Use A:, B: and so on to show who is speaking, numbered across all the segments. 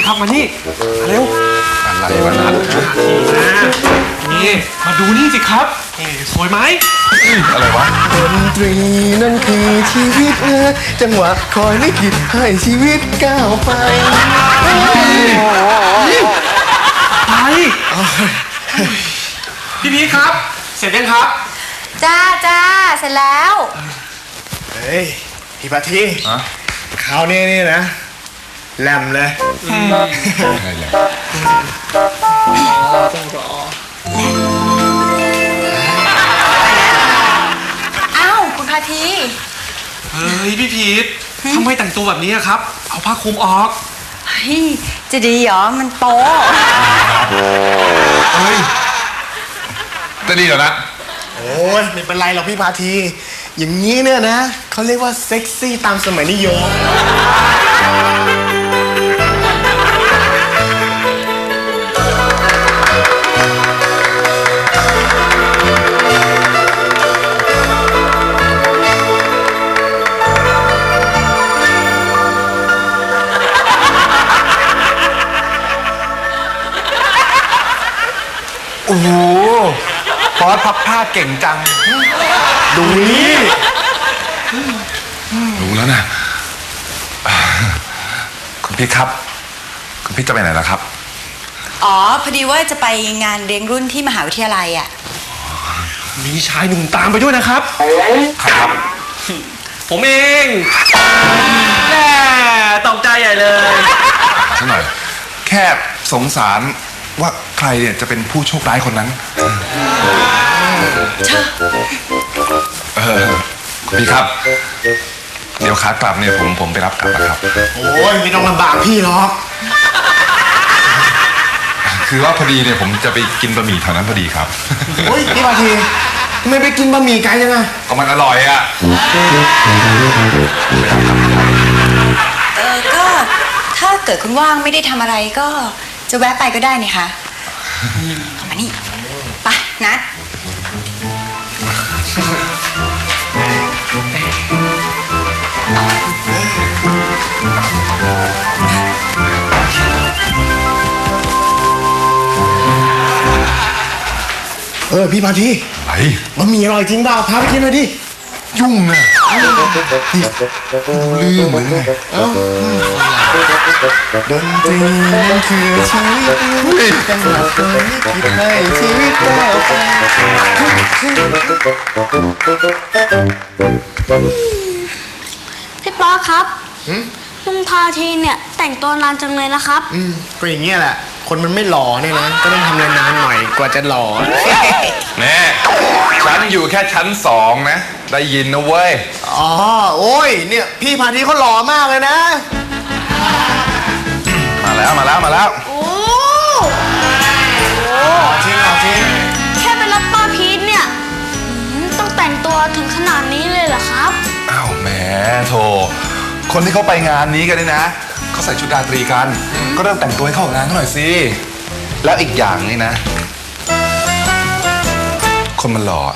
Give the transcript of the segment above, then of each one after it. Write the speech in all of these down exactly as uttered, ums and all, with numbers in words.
A: ครับมานี่เร็ว
B: อะไรวะนัด
A: นี่มาดูนี่สิครับนี่สวยไหม
B: อะไรวะ
C: ดนตรีนั่นคือชีวิตเออจังหวะคอยลิขิตให้ชีวิตก้าวไป
A: ไปพี่พีครับเสร็จยังครับ
D: จ้าจ้าเสร็จแล้ว
C: เฮ้ยพี่ปาทีคราวนี้นี่นะแหลมเลย
D: อ้าวคุณพาที
A: เฮ้ยพี่พีททำไมแต่งตัวแบบนี้ครับเอาผ้าคลุมออก
D: เฮ้ยจะดีเหรอมันโป๊
B: เฮ้ยจะดีเหรอนะ
C: โอ้ยไม่เป็นไรหรอกพี่พาทีอย่างนี้เนี่ยนะเขาเรียกว่าเซ็กซี่ตามสมัยนิยม
B: โอ้โหฟอสพับผ้าเก่งจัง
C: ดูนี่
B: รู้แล้วนะคุณพี่ครับคุณพี่จะไปไหนล่ะครับ
D: อ๋อพอดีว่าจะไปงานเลี้ยงรุ่นที่มหาวิทยาลัยอ่ะ
A: มีชายหนุ่มตามไปด้วยนะครับ
B: ครับ
A: ผมเองแหมตกใจใหญ่เลย
B: สักหน่อยแค่สงสารว่าใครเนี่ยจะเป็นผู้โชคร้ายคนนั้นเออพี่ครับเดี๋ยวขากลับเนี่ยผมผมไปรับกลับนะครับ
C: โอ้ยไม่ต้องลำบากพี่หรอก
B: คือว่าพอดีเนี่ยผมจะไปกินบะหมี่แถวนั้นพอดีครับ
C: โอ้ยพี่พาทีทำไมไปกินบะหมี่ไกลจังอะ
B: ก็มันอร่อยอะ
D: เออก็ถ้าเกิดคุณว่างไม่ได้ทำอะไรก็จะแวะไปก็ได้นี่คะเข้ามานี่ไปนัด
C: เออพี่พาที
B: อะไร
C: บะหมี่อร่อยจริงเปล่าพาไปกินหน่อยดิ
B: ยุ่งนะลืมเลยไง
C: ดนตรีมันคือชีวิตจังหวะคอยลิขิตให้ชีวิตก้าวไป
E: พี่ป๊อครับลุงพาทีเนี่ยแต่งตัวนานจังเลยนะครับ
C: อืมก็อย่างเงี้ยแหละคนมันไม่หล่อเนี่ยนะก็ต้องทำนานๆหน่อยกว่าจะหล่อ
B: แน่ฉันอยู่แค่ชั้นสองนะได้ยินนะเว้ย
C: อ๋อโอ้ยเนี่ยพี่พาทีเขาหล่อมากเลยนะ
B: มาแล้วมาแล้วมาแล้ว
E: โอ้
C: หล่อจริงหล่อจริง
E: แค่ไปรับป้าพีทเนี่ยต้องแต่งตัวถึงขนาดนี้เลยเหรอครับ
B: อ้าวแหมโธ่คนที่เขาไปงานนี้กันนี่นะเขาใส่ชุดราตรีกันก็เริ่มแต่งตัวให้เข้ากับงานหน่อยสิแล้วอีกอย่างนี่นะคนมันหล่อ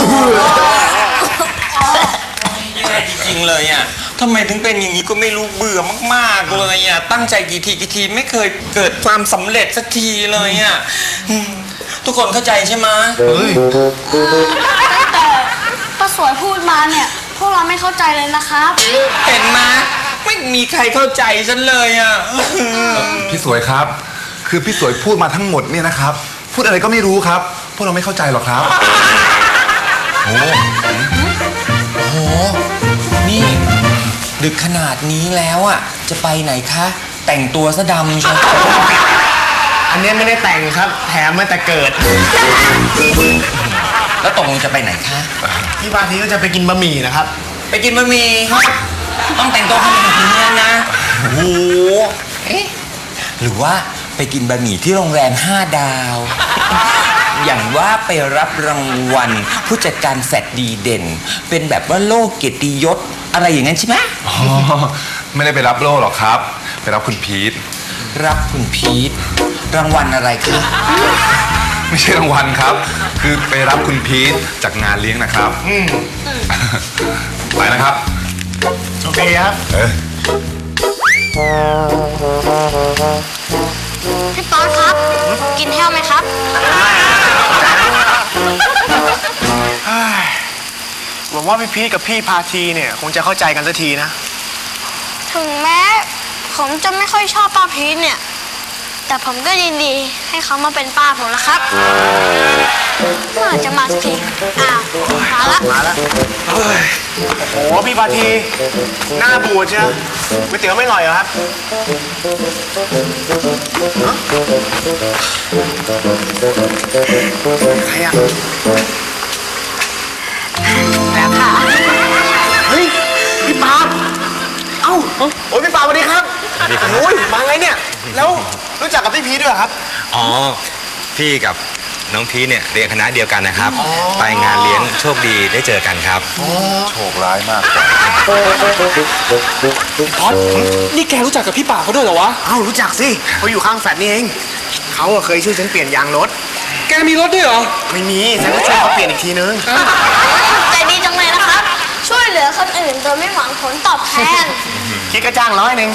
F: แย่จริงๆเลยอ่ะทำไมถึงเป็นอย่างนี้ก็ไม่รู้เบื่อมากๆเลยอ่ะตั้งใจกี่ทีกี่ทีไม่เคยเกิดความสำเร็จสักทีเลยอ่ะทุกคนเข้าใจใช่ไหม
C: เฮ้ย
E: แต่ป้าสวยพูดมาเนี่ยพวกเราไม่เข้าใจเลยนะครับ
F: เห็นไหมไม่มีใครเข้าใจฉันเลยอ่ะ
B: พี่สวยครับคือพี่สวยพูดมาทั้งหมดเนี่ยนะครับพูดอะไรก็ไม่รู้ครับพวกเราไม่เข้าใจหรอกครับ
F: โอ้โหนี่ดึกขนาดนี้แล้วอ่ะจะไปไหนคะแต่งตัวซะดำใช่
C: อันนี้ไม่ได้แต่งครับแถมมาแต่เกิด
F: แล้วตกลงจะไปไหนคะ
C: พี่พาทีก็จะไปกินบะหมี่นะครับ
F: ไปกินบะหมี่ต้องแต่งตัวขนาดนี้นะโอ้โหเอ๊ะหรือว่าไปกินบะหมี่ที่โรงแรมห้าดาวอย่างว่าไปรับรางวัลผู้จัดการแฟดดีเด่นเป็นแบบว่าโล่เกียรติยศอะไรอย่างนั้นใช่ไหม
B: อ๋อไม่ได้ไปรับโล่หรอกครับไปรับคุณพีท
F: รับคุณพีทรางวัลอะไรคะ
B: ไม่ใช่รางวัลครับคือไปรับคุณพีทจากงานเลี้ยงนะครับไปนะครับ
C: โอเคครับ
B: เออ
E: พี่ป๊อตครับ กินแห้วไหมครับ
C: หวังว่าพี่พีทกับพี่พาทีเนี่ยคงจะเข้าใจกันสักทีนะ
E: ถึงแม้ผมจะไม่ค่อยชอบป้าพีทเนี่ย แต่ผมก็ยินดีให้เขามาเป็นป้าผมแล้วครับเมื่อไหร่จะมาสักทีอ้าวมาละ
C: มาแล้วโอ้โหพี่พาทีหน้าบูดใช่ไหมก๋วยเตี๋ยวไม่อร่อยเหรอครับฮะใครอะ
D: แล้วค่ะ
C: เฮ้ยพี่ปาบเอ้าโอ้ยพี่ปาบสวัสดีครับโอ้ยมาไงเนี่ยแล้วรู้จักกับพี่พีทด้วยเหรอครับ
F: อ๋อ พี่กับน้องพีชเนี่ยเรียนคณะเดียวกันนะครับ ไปงานเลี้ยงโชคดีได้เจอกันครับ
B: โชคร้ายมาก
A: พอดนี่แกรู้จักกับพี่ป่าเขาด้วยเหรอวะ
C: เอ้ารู้จักสิเขาอยู่ข้างแฟลตนี่เองเขาอะเคยช่วยฉันเปลี่ยนยางรถ
A: แกมีรถด้วยเหรอ
C: ไม่มีฉันก็ช่วยเขาเปลี่ยนอีกทีนึง
E: ใจดีจังเลยนะครับ ช่วยเหลือคนอื่นโดยไม่หวังผลตอบแทน
C: คิดก็จ้างร้อยหนึ่ง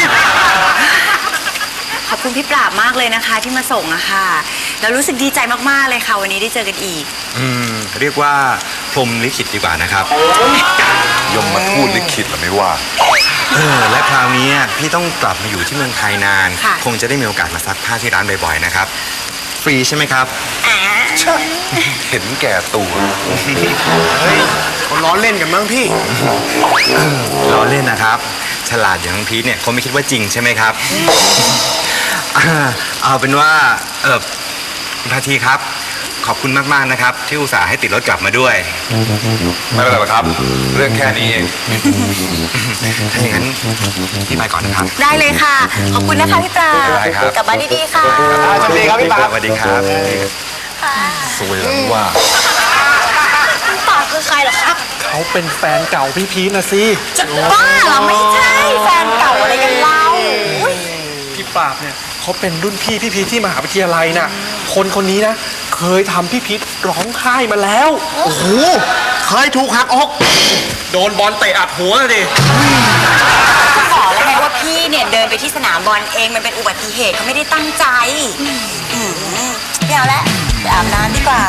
D: ขอบคุณพี่ปราบมากเลยนะคะที่มาส่งอะค่ะ แล้วรู้สึกดีใจมากๆเลยค่ะ วันนี้ได้เจอกันอีก
F: อืม เรียกว่าพรหมลิขิตดีกว่านะครับ
B: ยมมาทูดลิขิตหรือไม่ว่า
F: เออ และคราวนี้พี่ต้องกลับมาอยู่ที่เมืองไทยนาน
D: ค่ะ
F: คงจะได้มีโอกาสมาซักผ้าที่ร้านบ่อยๆนะครับ ฟรีใช่ไหมครับ
B: เห็นแก่ตัว
C: เฮ้ยคนล้อเล่นกันมั้งพี่
F: ล้อเล่นนะครับ ฉลาดอย่างน้องพีทเนี่ยคงไม่คิดว่าจริงใช่ไหมครับ อ่าเอาเป็นว่า เออคุณพาทีครับ ขอบคุณมากๆนะครับ ที่อุตส่าห์ให้ติดรถกลับมาด้วย
B: ไม่เป็นไรหรอกครับ เรื่องแค่นี้เอง
F: ถ้าอย่างนั้นพี่ไปก่อนนะครับ
D: ได้เลยค่ะ ขอบคุณนะคะพี่ปราบ
F: ได้ครับ
D: กลับบ้านดีๆค่ะ
C: สวัสดีครับพี่ปาบ
F: สวัสดีครับ
B: สวยแล้วว่า
E: คุณป่าคือใครเหรอครับ
A: เขาเป็นแฟนเก่าพี่พีชนะสิ
D: จะบ้าเหรอไม่ใช่แฟนเก่าอะไรกันเล่าอุ๊ย
A: พี่ปราบเนี่ยเขาเป็นรุ่นพี่พี่พีชที่มหาวิทยาลัยน่ะ คนคนนี้นะ เคยทำพี่พีชร้องไห้มาแล้ว
C: โอ้โหเคยถูกหักอก
A: โดนบอลเตะอัดหัวเลยดิ
D: ก็บอกแล้วไงว่าพี่เนี่ยเดินไปที่สนามบอลเองมันเป็นอุบัติเหตุเขาไม่ได้ตั้งใจอืมไม่เอาละไปอาบน้ำดีกว่า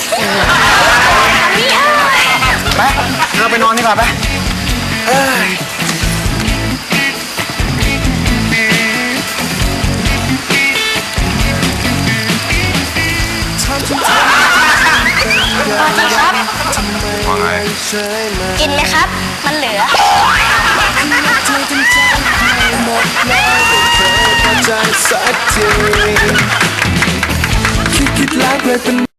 C: ไปเราไปนอนดีกว่าไปเอ้ย
E: สวัสดีครับ
B: ว่าไง
E: กินไหมครับ มันเหลือ
G: ใจสักทีคิดคิดแล้วเลยเป็น